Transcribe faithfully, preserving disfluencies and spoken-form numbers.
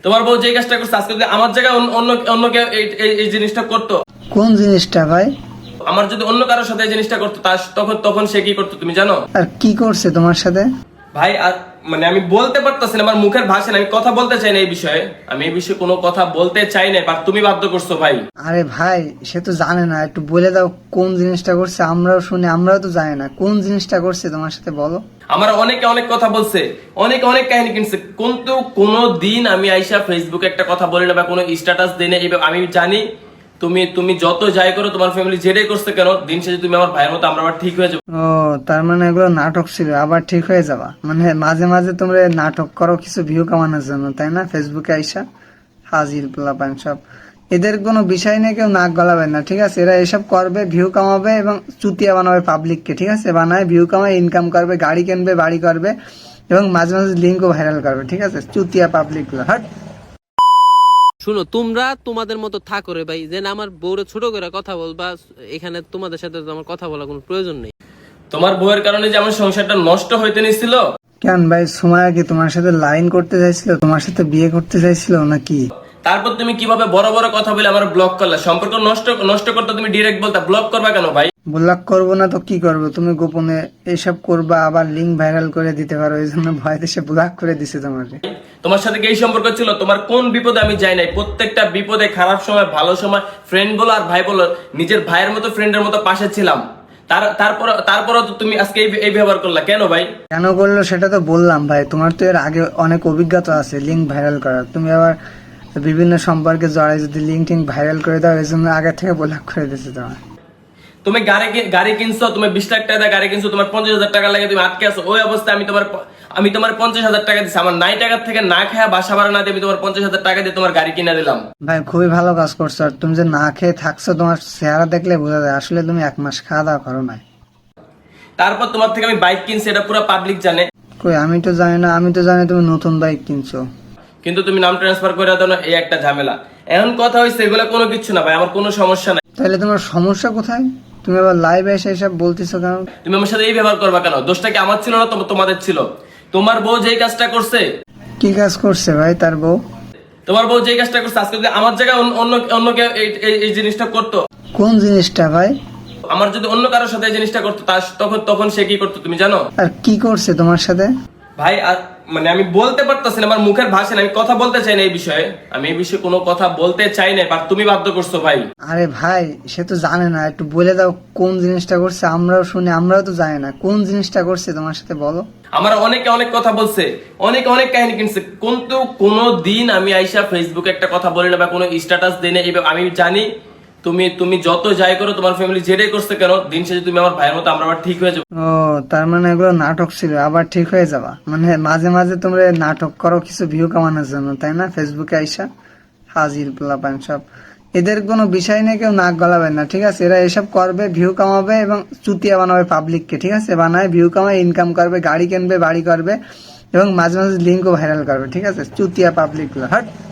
তোমার বউ যে কাজটা করছে আজকে যদি আমার জায়গায় অন্য অন্য অন্য কেউ এই- এই- এই জিনিসটা করতো, কোন জিনিসটা ভাই? আমার যদি অন্য কারোর সাথে এই জিনিসটা করতো তার তখন তখন সে কি করতো তুমি জানো আর কি করছে তোমার সাথে? ভাই? আর মানে আমি বলতে পারতাছি না, আমার মুখের ভাষা না, আমি কথা বলতে চাই না এই বিষয়ে, আমি এই বিষয়ে কোনো কথা বলতে চাই না, বাট তুমি বাধ্য করছো ভাই। আরে ভাই, সে তো জানে না, একটু বলে দাও কোন জিনিসটা করছে, আমরাও শুনি, আমরাও তো জানি না কোন জিনিসটা করছে তোমার সাথে, বলো। আমার অনেকে অনেক কথা বলছে, অনেক অনেক কাহিনী কিনছে, কিন্তু কোনো দিন আমি আইসা ফেসবুকে একটা কথা বলি না বা কোনো স্ট্যাটাস দিই না। এবার আমি জানি তুমি তুমি যত যাই করো, তোমার ফ্যামিলি যেটাই করছে কেন, দিন শেষে তুমি আমার ভাইয়ের মতো, আমরা আবার ঠিক হয়ে যাবো। ও, তার মানে এগুলো নাটক ছিল, আবার ঠিক হয়ে যাবা? মানে মাঝে মাঝে তোমরা নাটক করো কিছু ভিউ কামানোর জন্য, তাই না? ফেসবুকে আইসা হাজির পোলাপান সব, এদের কোনো বিষয় নিয়ে কেউ নাক গলাবে না, ঠিক আছে? এরা এসব করবে, ভিউ কামাবে এবং চুতিয়া বানাবে পাবলিককে, ঠিক আছে? বানায় ভিউ কামায় ইনকাম করবে, গাড়ি কিনবে, বাড়ি করবে এবং মাঝে মাঝে লিঙ্কও ভাইরাল করবে, ঠিক আছে? চুতিয়া পাবলিক গুলো, হট। শুনো, তোমরা তোমাদের মতো থাকো রে ভাই, যে আমার বউরে ছোট করে কথা বলবা, এখানে তোমাদের সাথে তো আমার কথা বলার কোনো প্রয়োজন নেই। তোমার বউয়ের কারণে যে আমার সংসারটা নষ্ট হইতে নিছিল, কেন ভাই, সুমায়া কি তোমার সাথে লাইন করতে চাইছিল, তোমার সাথে বিয়ে করতে চাইছিল নাকি? তারপর তুমি কিভাবে বড় বড় কথা বলে আমার ব্লক করলা? সম্পর্ক নষ্ট নষ্ট করতে তুমি ডিরেক্ট বলতা, ব্লক করবা কেন ভাই? ব্লক করবো না তো কি করবো? তুমি গোপনে এইসব করবা, আবার লিঙ্ক ভাইরাল করে দিতে পারো, এই জন্য ভয় দেশে ব্লক করে দিছে তোমাকে। তোমার সাথে কি এই সম্পর্ক ছিল? তোমার কোন বিপদে আমি যাই নাই? প্রত্যেকটা বিপদে, খারাপ সময়, ভালো সময়, ফ্রেন্ড বলো আর ভাই বলো, নিজের ভাইয়ের মতো, ফ্রেন্ডের মতো পাশে ছিলাম। তার তারপর তারপরও তো তুমি আজকে এই- এই ব্যবহার করলা কেন ভাই? কেন করলো সেটা তো বললাম ভাই, তোমার তো এর আগে অনেক অভিজ্ঞতা আছে লিঙ্ক ভাইরাল করার, তুমি আবার বিভিন্ন সম্পর্কে জড়াই যদি লিঙ্ক টিঙ্ক ভাইরাল করে দাও, এই জন্য আগে থেকে ব্লক করে দিচ্ছে তোমার। তুমি গাড়ি কি- গাড়ি কিনছো, তুমি বিশ লাখ টাকা দিয়ে গাড়ি কিনছো, তোমার পঞ্চাশ হাজার টাকা লাগে তুমি আটকে আছো। ওই অবস্থায় আমি তোমার প- আমি তোমার পঞ্চাশ হাজার টাকা দিচ্ছি, আমার নাই টাকা থেকে না খায়া বাসা ভাড়া না দিয়ে আমি তোমার পঞ্চাশ হাজার টাকা দিয়ে তোমার গাড়ি কিনে দিলাম। ভাই খুবই ভালো কাজ করছো, আর তুমি যে না খেয়ে থাকছো তোমার চেহারা দেখলে বোঝা যায় আসলে তুমি এক মাস খাওয়া দাওয়া করো নাই। তারপর তোমার থেকে আমি বাইক কিনছি, এটা পুরো পাবলিক জানে, কই, আমি তো জানি না, আমি তো জানি তুমি নতুন বাইক কিনছো। কিন্তু তুমি নাম ট্রান্সফার করে দাও না, এই একটা ঝামেলা। এখন কথা হয়েছে এগুলো কোনো কিছু না ভাই, আমার কোনো সমস্যা নাই। তাহলে তোমার সমস্যা কোথায়? তুমি আবার লাইভে এসে এসব বলতেছো কেন? তুমি আমার সাথে এই ব্যবহার করবা কেন? দোষটা কি আমার ছিল না তো তোমাদের ছিল? তোমার বউ যেই কাজটা করছে, কি কাজ করছে ভাই তার বউ? তোমার বউ যেই কাজটা করছে আজকে যদি আমার জায়গায় অন্য অন্য অন্য কেউ এই- এই- এই জিনিসটা করতো, কোন জিনিসটা ভাই? আমার যদি অন্য কারোর সাথে এই জিনিসটা করতো তার তখন তখন সে কি করতো তুমি জানো আর কি করছে তোমার সাথে? ভাই? আর মানে আমি বলতে পারতাছি না, আমার মুখের ভাষা না, আমি কথা বলতে চাই না এই বিষয়ে, আমি এই বিষয়ে কোনো কথা বলতে চাই না, বাট তুমি বাধ্য করছো ভাই। আরে ভাই, সে তো জানে না, একটু বলে দাও কোন জিনিসটা করছে, আমরাও শুনি, আমরাও তো জানি না কোন জিনিসটা করছে তোমার সাথে, বলো। আমার অনেকে অনেক কথা বলছে, অনেক অনেক কাহিনী কিনছে, কিন্তু কোনো দিন আমি আইসা ফেসবুকে একটা কথা বলি না বা কোনো স্ট্যাটাস দিই না। এবার আমি জানি তুমি তুমি যত যাই করো, তোমার ফ্যামিলি যেটাই করছে কেন, দিন শেষে তুমি আমার ভাইয়ের মতো, আমরা আবার ঠিক হয়ে যাবো। ও, তার মানে এগুলো নাটক ছিল, আবার ঠিক হয়ে যাবা? মানে মাঝে মাঝে তোমরা নাটক করো কিছু ভিউ কামানোর জন্য, তাই না? ফেসবুকে আইসা হাজির পোলাপান সব, এদের কোনো বিষয় নিয়ে কেউ নাক গলাবে না, ঠিক আছে? এরা এসব করবে, ভিউ কামাবে এবং চুতিয়া বানাবে পাবলিককে, ঠিক আছে? বানায় ভিউ কামায় ইনকাম করবে, গাড়ি কিনবে, বাড়ি করবে এবং মাঝে মাঝে লিঙ্কও ভাইরাল করবে, ঠিক আছে? চুতিয়া পাবলিক গুলো, হট।